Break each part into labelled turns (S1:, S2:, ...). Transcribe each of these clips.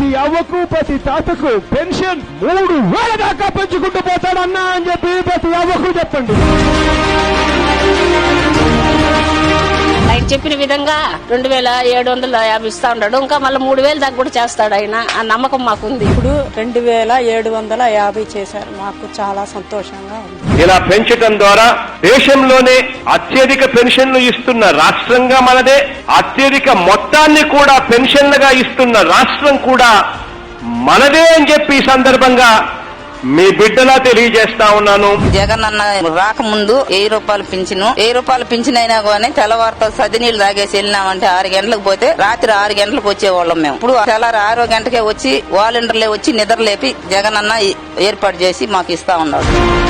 S1: ప్రతి అవ్వకు ప్రతి తాతకు పెన్షన్ 3,000 దాకా పెంచుకుంటూ పోతాడన్నా అని చెప్పి ప్రతి అవ్వకు చెప్పండి.
S2: ఆయన చెప్పిన విధంగా 2,750 ఇస్తా ఉన్నాడు. ఇంకా మళ్ళీ 3,000 దాకా కూడా చేస్తాడు ఆయన. ఆ నమ్మకం మాకుంది.
S3: ఇప్పుడు 2,750 చేశారు. మాకు చాలా సంతోషంగా ఉంది.
S4: ఇలా పెంచడం ద్వారా దేశంలోనే అత్యధిక పెన్షన్లు ఇస్తున్న రాష్ట్రంగా మనదే, అత్యధిక మొత్తాన్ని కూడా పెన్షన్లుగా ఇస్తున్న రాష్ట్రం కూడా మనదే అని చెప్పి ఈ సందర్భంగా మీ బిడ్డలా తెలియజేస్తా ఉన్నాను.
S5: జగన్ అన్న రాకముందు 1000 రూపాయలు పింఛను, 1000 రూపాయలు పింఛన్ అయినా కానీ తెల్లవారితో సది నీళ్లు తాగేసి వెళ్ళినామంటే 6 గంటలకు పోతే రాత్రి 6 గంటలకు వచ్చేవాళ్ళం మేము. ఇప్పుడు తెల్లారి 6 గంటకే వచ్చి వాలంటీర్లే వచ్చి నిద్ర లేపి జగన్ అన్న ఏర్పాటు చేసి మాకు ఇస్తా ఉన్నాడు.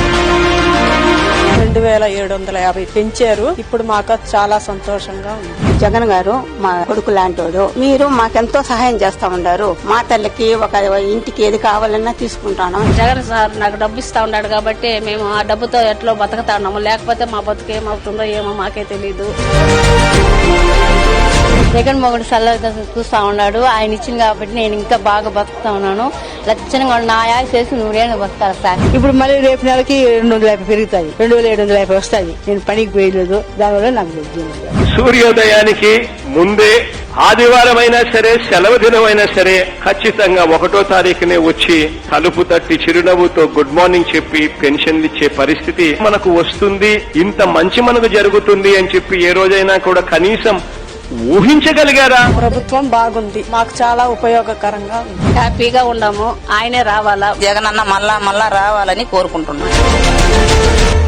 S3: 2,750 పెంచారు. ఇప్పుడు మాకు చాలా సంతోషంగా ఉంది.
S6: జగన్ గారు మా కొడుకు లాంటోడు. మీరు మాకెంతో సహాయం చేస్తా ఉన్నారు. మా తల్లికి ఒక ఇంటికి ఏది కావాలన్నా తీసుకుంటాను.
S2: జగన్ సార్ నాకు డబ్బు ఇస్తా ఉన్నాడు కాబట్టి మేము ఆ డబ్బుతో ఎట్లో బతుకుతా ఉన్నాము. లేకపోతే మా బతుకు ఏమవుతుందో ఏమో మాకే తెలీదు.
S7: జగన్మోహన్ సల్లగా చూస్తా ఉన్నాడు. ఆయన ఇచ్చింది కాబట్టి నేను ఇంకా బాగా బతుకుతా ఉన్నాను. లక్షణంగా నా యాస చేసి 100 బతుకుతాను సార్. ఇప్పుడు మళ్ళీ రేపు నెలకి 250 పెరుగుతాయి, 2,750 వస్తాయి. నేను పనికి పోయలేదు, దానివల్ల నాకు
S4: సూర్యోదయానికి ముందే ఆదివారం అయినా సరే, సెలవు దినమైనా సరే ఖచ్చితంగా 1వ తారీఖునే వచ్చి తలుపు తట్టి చిరునవ్వుతో గుడ్ మార్నింగ్ చెప్పి పెన్షన్లు ఇచ్చే పరిస్థితి మనకు వస్తుంది. ఇంత మంచి మనకు జరుగుతుంది అని చెప్పి ఏ రోజైనా కూడా కనీసం ఊహించగలిగారా?
S3: ప్రభుత్వం బాగుంది, మాకు చాలా ఉపయోగకరంగా ఉంది.
S2: హ్యాపీగా ఉన్నాము. ఆయనే రావాలా.
S5: జగన్ అన్న మళ్ళా రావాలని కోరుకుంటున్నాను.